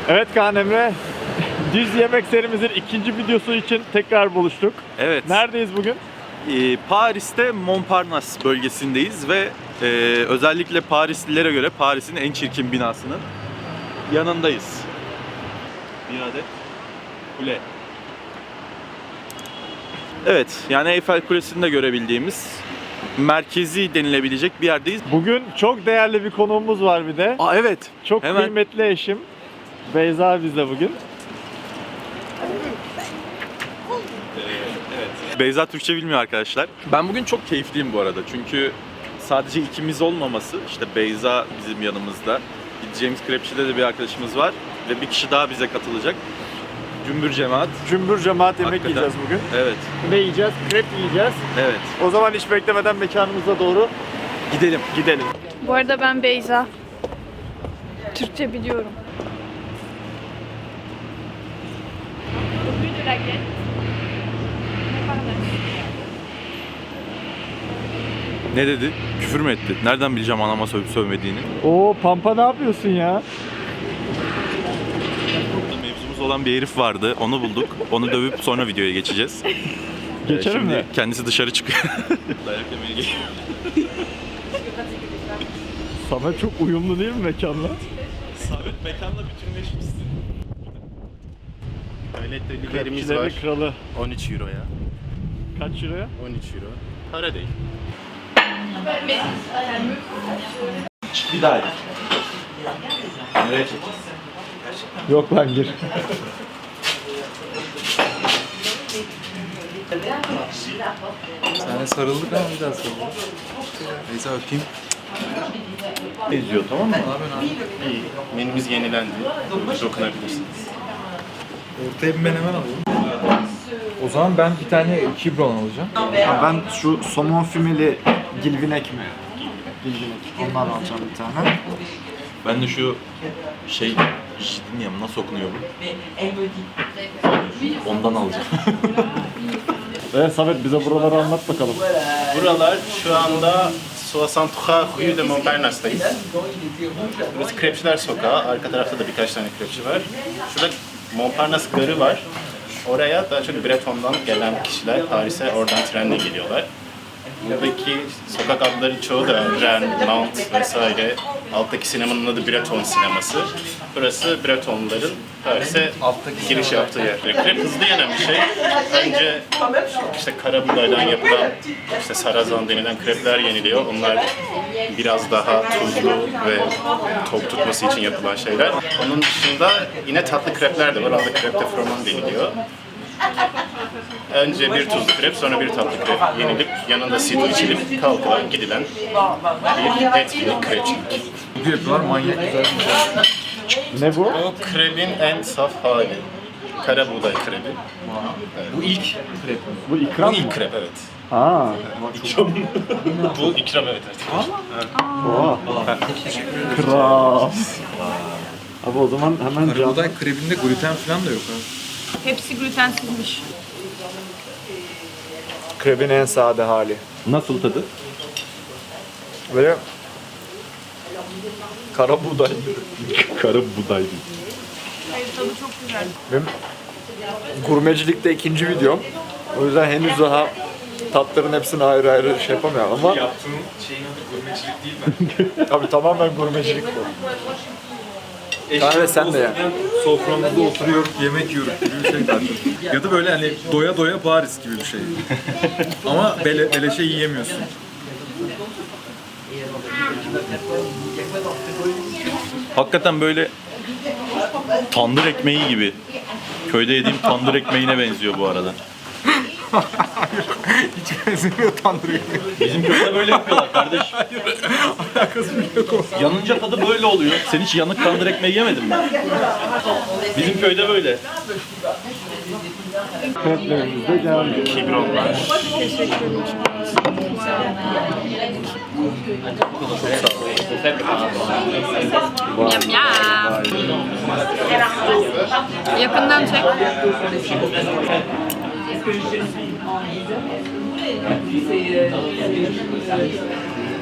Evet Kaan Emre, Düz Yemek serimizin ikinci videosu için tekrar buluştuk. Evet. Neredeyiz bugün? Paris'te Montparnasse bölgesindeyiz ve özellikle Parislilere göre Paris'in en çirkin binasının yanındayız. Bir adet kule. Evet, yani Eyfel Kulesi'ni de görebildiğimiz merkezi denilebilecek bir yerdeyiz. Bugün çok değerli bir konuğumuz var bir de. Aa evet. Çok Hemen. kıymetli eşim. Beyza bizle bugün. Evet. Beyza Türkçe bilmiyor arkadaşlar. Ben bugün çok keyifliyim bu arada. Çünkü sadece ikimiz olmaması, işte Beyza bizim yanımızda. Gideceğimiz krepçide de bir arkadaşımız var ve bir kişi daha bize katılacak. Cümbür cemaat. Cümbür cemaat yemek Hakikaten. yiyeceğiz bugün. Evet. Ne yiyeceğiz? Krep yiyeceğiz. Evet. O zaman hiç beklemeden mekanımıza doğru Gidelim. Bu arada ben Beyza. Türkçe biliyorum. Ne dedi? Küfür mü etti? Nereden bileceğim anama sövüp sövmediğini? Oo Pampa ne yapıyorsun ya? Mevzumuz olan bir herif vardı. Onu bulduk. Onu dövüp sonra videoya geçeceğiz. Geçelim Şimdi mi? kendisi dışarı çıkıyor. Dayak yemeye geliyor. Sana çok uyumlu değil mi mekanla? Sabit mekanla bütünleşmişsin. Öğletmenliklerimiz var. Krepçilerin kralı. 13 euro ya. Kaç euroya? 13 euro. Para değil. Bir daha gir. Nereye çek? Yok lan gir. Yani sarıldık ama bir daha sarıldık. Neyse öpeyim. İzliyor tamam mı? İyi. Menümüz yenilendi. Dokunabilirsiniz. Ortaya bir menemen alalım. O zaman ben bir tane kibron alacağım. Ben şu somon fümeli gilvinek mi? Gilvinek. Ondan alacağım bir tane. Ben de şu jidin ya nasıl okunuyor bu? Ondan alacağım. Evet Samet bize buraları anlat bakalım. Buralar şu anda 63 Rue de Montparnasse'dayız. Burası Krepçiler Sokağı. Arka tarafta da birkaç tane krepçi var. Şurada Montparnasse Garı var. Oraya daha çok Breton'dan gelen kişiler Paris'e oradan trenle geliyorlar. Buradaki sokak adları çoğu da Rennes, Nantes vesaire. Alttaki sinemanın adı Breton sineması. Burası Bretonların Paris'e giriş yaptığı yer. Krep hızlı yenen bir şey. Önce işte kara buğdaydan yapılan işte sarazan denilen krepler yeniliyor. Onlar biraz daha tuzlu ve tok tutması için yapılan şeyler. Onun dışında yine tatlı krepler de var. Orada krep de froment deniliyor. Önce bir tuzlu krep, sonra bir tatlı krep yenilip yanında sidro içilip kalkılan gidilen bir etkinlik krepçilik. Bu yapıyorlar manyak güzel bir şey. Ne bu? Bu krebin en saf hali. Kara buğday krebi. Bu ilk krep. Bu ikram Bu mı? ilk krep evet. Aa. Bu ikram evet. Oha. Kral. Abi o zaman hemen cam. Karabuğday krebinde gluten falan da yok abi. Hepsi glutensizmiş. Krebin en sade hali. Nasıl tadı? Böyle kara buğday. Kara buğday. Hayır, tadı çok güzel. Benim gurmecilikte ikinci videom. O yüzden henüz daha tatların hepsini ayrı ayrı şey yapamıyorum ama Yaptığın şeyin adı gurmecilik değil mi? tabii tamamen gurmecilik bu. Kahve sen de ya. Soframızda oturuyoruz, yemek yiyoruz gibi bir şey zaten. Ya da böyle hani doya doya Paris gibi bir şey. Ama beleşe yiyemiyorsun. Hakikaten böyle tandır ekmeği gibi. Köyde yediğim tandır ekmeğine benziyor bu arada. Hiç benzemiyor tandır ekmeği. Bizim köyde böyle yapıyorlar kardeş. Alakası bile yok o. Yanınca tadı böyle oluyor. Sen hiç yanık tandır ekmeği yemedin mi? Bizim köyde böyle. Kreplerimiz de geldi. Kibron var. Yam yam. Yakından çek.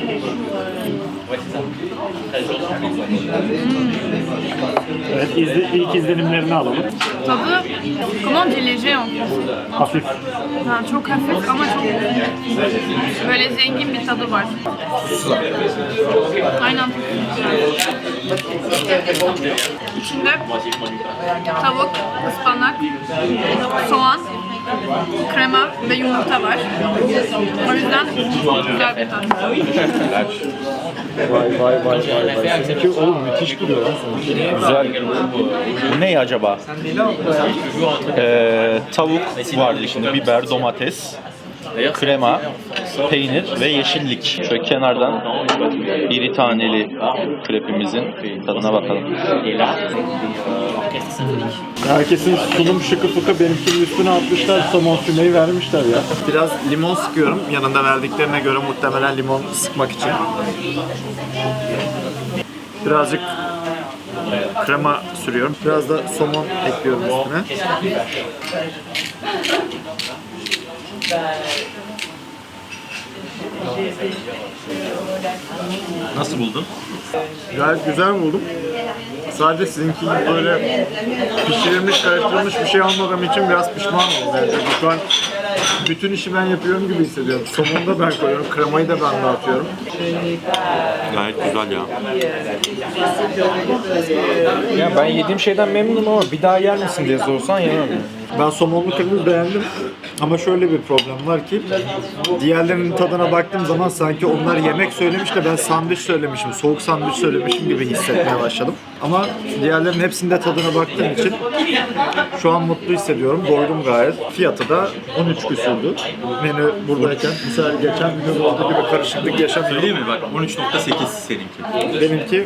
Evet, ilk izlenimlerini alalım. Tadı, comment on dit léger en fait? Hafif. Ha, çok hafif ama çok böyle zengin bir tadı var. Aynen. İçinde tavuk, ıspanak, soğan, krema ve yumurta var. O yüzden güzel bir tat. Vay. Seninki oğlum müthiş duruyor lan seninki. Güzel. Bu ne acaba? Tavuk vardı içinde, biber, domates, krema, peynir ve yeşillik. Şöyle kenardan iri taneli krepimizin tadına bakalım. Herkesin sunum şıkı fıkı benimkinin üstüne atmışlar, somon fümeyi vermişler ya. Biraz limon sıkıyorum, yanında verdiklerine göre muhtemelen limon sıkmak için. Birazcık krema sürüyorum. Biraz da somon ekliyorum üstüne. Nasıl buldun? Gayet güzel buldum. Sadece sizinki gibi böyle pişirilmiş, karıştırılmış bir şey almadığım için biraz pişman oldum. Yani şu an bütün işi ben yapıyorum gibi hissediyorum. Somonu da ben koyuyorum, kremayı da ben dağıtıyorum. Gayet güzel ya. Ya ben yediğim şeyden memnunum ama bir daha yer misin diye sorsan yemem. Ben somonlu kırmızı beğendim ama şöyle bir problem var ki diğerlerinin tadına baktığım zaman sanki onlar yemek söylemiş de ben sandviç söylemişim, soğuk sandviç söylemişim gibi hissetmeye başladım. Ama diğerlerinin hepsinde tadına baktığım için şu an mutlu hissediyorum, doydum gayet. Fiyatı da 13 küsürdü. Menü buradayken, mesela geçen menü olduğu gibi karışıklık yaşamıyorum. Söyleyeyim mi? Bak 13.8 seninki. Benimki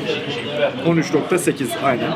13.8 aynen.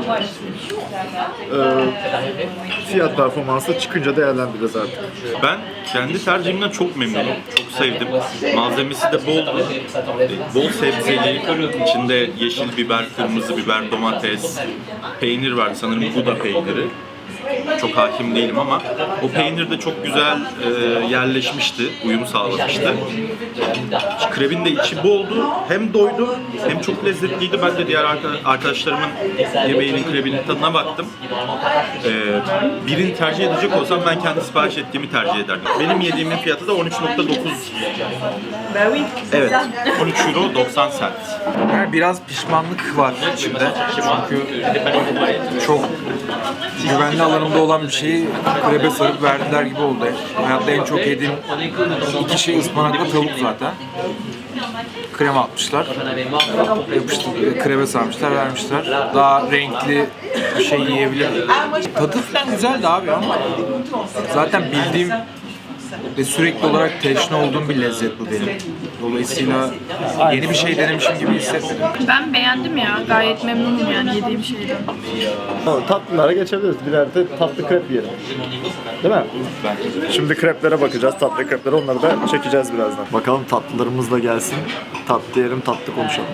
Fiyat performansı çıkınca değerlendiririz artık. Ben kendi tercihimden çok memnunum. Çok sevdim. Malzemesi de bol. Bol sebzeli. İçinde yeşil biber, kırmızı biber, domates, peynir var. Sanırım Gouda peyniri. Çok hakim değilim ama o peynir de çok güzel yerleşmişti, uyum sağlamıştı. Krepin de içi boldu, hem doydu hem çok lezzetliydi. Ben de diğer arkadaşlarımın yemeğinin, krepinin tadına baktım. Birini tercih edecek olsam ben kendi sipariş ettiğimi tercih ederdim. Benim yediğimin fiyatı da 13.9. Evet, 13 euro 90 cent. Yani biraz pişmanlık var içimde. Çünkü çok güvenli alanımda olan bir şeyi krebe sarıp verdiler gibi oldu. Hayatta en çok yediğim iki şey ıspanakla tavuk zaten. Krema atmışlar. Yapıştırıp krebe sarmışlar, vermişler. Daha renkli bir şey yiyebilirim. Tadı falan güzeldi abi ama zaten bildiğim ve sürekli olarak teşne olduğum bir lezzet bu benim. Dolayısıyla yeni bir şey denemişim gibi hissetmedim. Ben beğendim ya. Gayet memnunum yani yediğim şeyden. Tatlılara geçebiliriz. Birer de tatlı krep yiyelim. Değil mi? Şimdi kreplere bakacağız. Tatlı kreplere, onları da çekeceğiz birazdan. Bakalım tatlılarımız da gelsin. Tatlı yiyelim, tatlı konuşalım.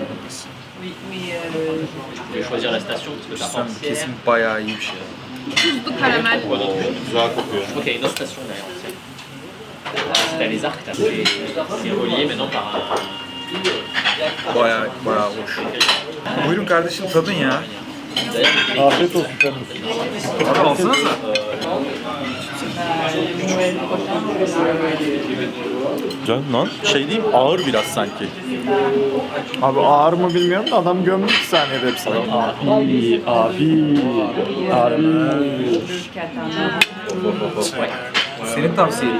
Kesin bayağı iyi bir şey. Tuzlu karamel. Güzel kokuyor. Ok, il y a une autre station derrière. C'était les arcs, c'est relié maintenant par un. Bayağı hoş. Buyurun kardeşim tadın ya. Afiyet olsun efendim. Abi alsanıza. Güzel lan. Şey diyeyim, ağır biraz sanki. Abi ağır mı bilmiyorum da adam gömdü 2 saniyede hepsini. Abi. Senin tavsiyen.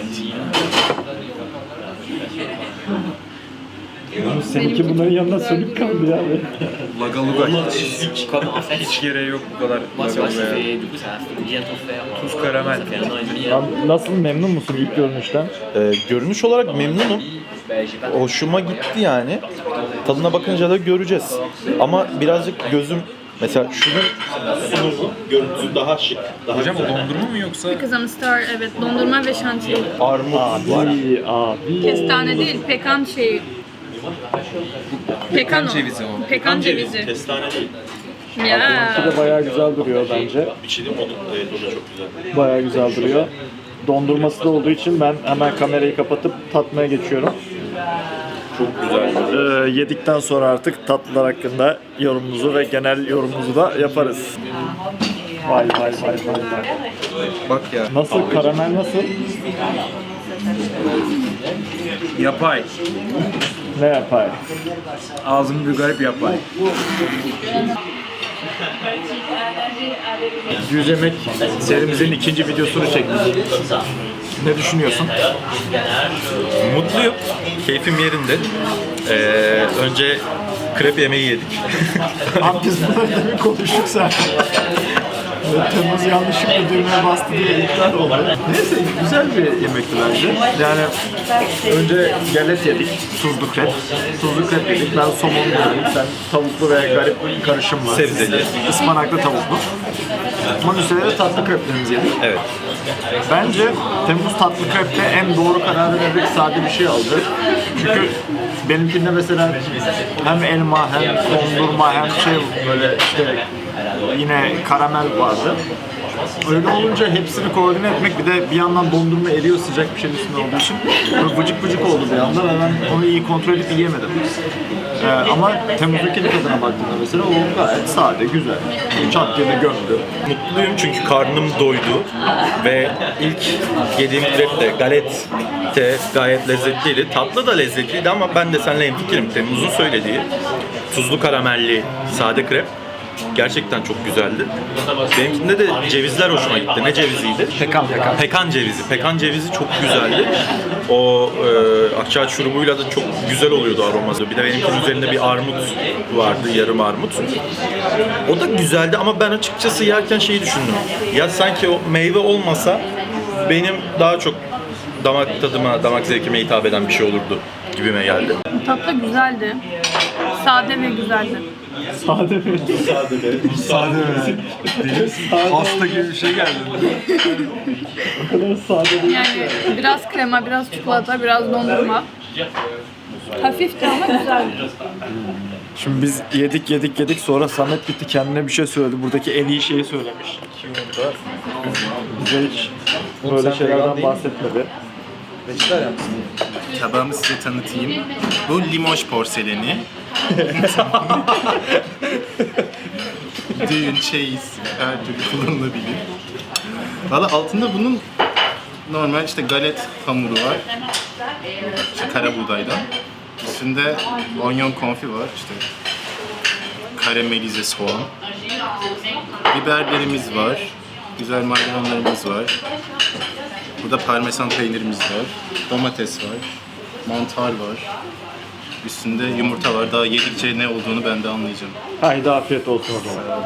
Seninki bunların yanında sönük kaldı ya. Lagaluga Comme en fait, hiç gereği yok bu kadar. moi, tu vois, ça Lagaluga'ya. fait, du coup, ça fait bientôt faire. Tuz karamel. Ça fait 1 an et demi. Nasıl, memnun musun ilk görünüşten? Görünüş olarak memnunum. Ben, j'ai pas Hoşuma gitti yani. Tadına bakınca da göreceğiz. Ama birazcık gözüm, mesela şunun sunum görüntüsü daha şık. Daha Hocam o güzel. dondurma mı yoksa? Kızım Star, evet, dondurma ve şantiye. Armut var. Abi. Kestane değil, pekan şeyi. Pekan o. cevizi o. Pekan cevizi. Kestane değil. Ya. Bu da bayağı güzel duruyor bence. Bir şey diyeyim mi? O da çok güzel. Bayağı güzel duruyor. Dondurması da olduğu için ben hemen kamerayı kapatıp tatmaya geçiyorum. Çok güzel. Yedikten sonra artık tatlılar hakkında yorumumuzu ve genel yorumumuzu da yaparız. Vay vay vay vay vay. Bak ya. Nasıl? Karamel nasıl? Yapay. Ne yapar? Ağzım bir garip yapay. 100 yemek serimizin ikinci videosunu çektik. Ne düşünüyorsun? Mutluyum. Keyfim yerinde. Önce krep yemeği yedik. Abi biz bunları demin konuştuk zaten. Temmuz yanlışlıkla düğmeye bastı diye iptal oldu. Neyse güzel bir yemekti bence. Yani önce galet yedik, tuzlu krep. Tuzlu krep yedik, ben somon yedim. Sen tavuklu ve garip bir karışım var. Sebzeli. Ispanaklı tavuklu. Onun üstüne de tatlı kreplerimizi yedik. Evet. Bence Temmuz tatlı krepte en doğru kararı vererek sade bir şey aldı. Çünkü benimkinde mesela hem elma hem dondurma hem şey böyle işte yine karamel vardı. Öyle olunca hepsini koordine etmek bir de bir yandan dondurma eriyor sıcak bir şeyin üstünde olduğu için böyle vıcık vıcık oldu bir anda ve ben onu iyi kontrol edip yiyemedim. Ama Temmuz'daki tadına baktığımda mesela o gayet sade, güzel. Çat diye de gömdü. Mutluyum çünkü karnım doydu ve ilk yediğim krep de galette gayet lezzetliydi. Tatlı da lezzetliydi ama ben de seninle hemfikirim. Temmuz'un söylediği tuzlu karamelli sade krep gerçekten çok güzeldi. Benimkinde de cevizler hoşuma gitti. Ne ceviziydi? Pekan. Pekan cevizi. Pekan cevizi çok güzeldi. O akçaağaç şurubuyla da çok güzel oluyordu aroması. Bir de benimkinin üzerinde bir armut vardı, yarım armut. O da güzeldi ama ben açıkçası yerken şeyi düşündüm. Ya sanki o meyve olmasa benim daha çok damak tadıma, damak zevkime hitap eden bir şey olurdu gibime geldi. Tatlı güzeldi. Sade ve güzeldi. Sade mi? Sade mi? Hasta gibi bir şey geldi. O kadar sade değil. Yani biraz krema, biraz çikolata, biraz dondurma. Hafifti ama güzeldi. Şimdi biz yedik sonra Samet gitti kendine bir şey söyledi. Buradaki en iyi şeyi söylemiş. Q&A'da. Bize hiç böyle şeylerden bahsetmedi. Tabağımı size tanıtayım. Bu Limoges porseleni. Düğün, çeyiz, her türlü kullanılabilir. Valla altında bunun normal işte galet hamuru var. İşte kara buğdaydan. Üstünde onyon konfi var. İşte karamelize soğan. Biberlerimiz var. Güzel maydanozlarımız var. Burada parmesan peynirimiz var. Domates var. Mantar var. Üstünde yumurta var. Daha yedikçe ne olduğunu ben de anlayacağım. Haydi afiyet olsun o zaman.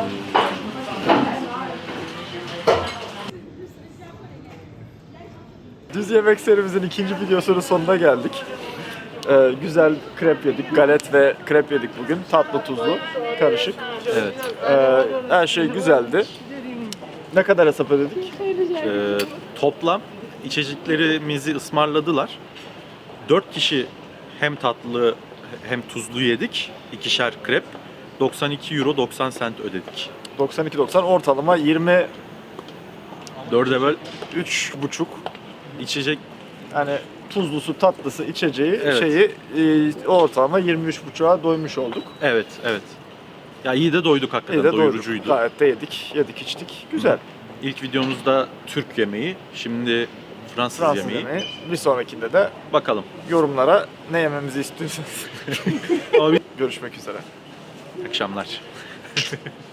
Düz yemek serimizin ikinci videosunun sonuna geldik. Güzel krep yedik, galet ve krep yedik bugün. Tatlı tuzlu, karışık. Evet. Her şey güzeldi. Ne kadar hesap ödedik? Toplam içeceklerimizi ısmarladılar. 4 kişi hem tatlı hem tuzlu yedik. 2'şer krep. 92 euro 90 cent ödedik. 92.90 ortalama 23,5 4'e böl içecek yani tuzlusu, tatlısı, içeceği Evet. şeyi ortalama 23,5'a doymuş olduk. evet. Ya iyi de doyduk hakikaten. İyi de doyduk. Doyurucuydu. Gayet de yedik içtik. Güzel. İlk videomuzda Türk yemeği, şimdi Fransız, Fransız yemeği. yemeği. Bir sonrakinde de Bakalım. yorumlara ne yememizi istiyorsanız Abi görüşmek üzere. akşamlar.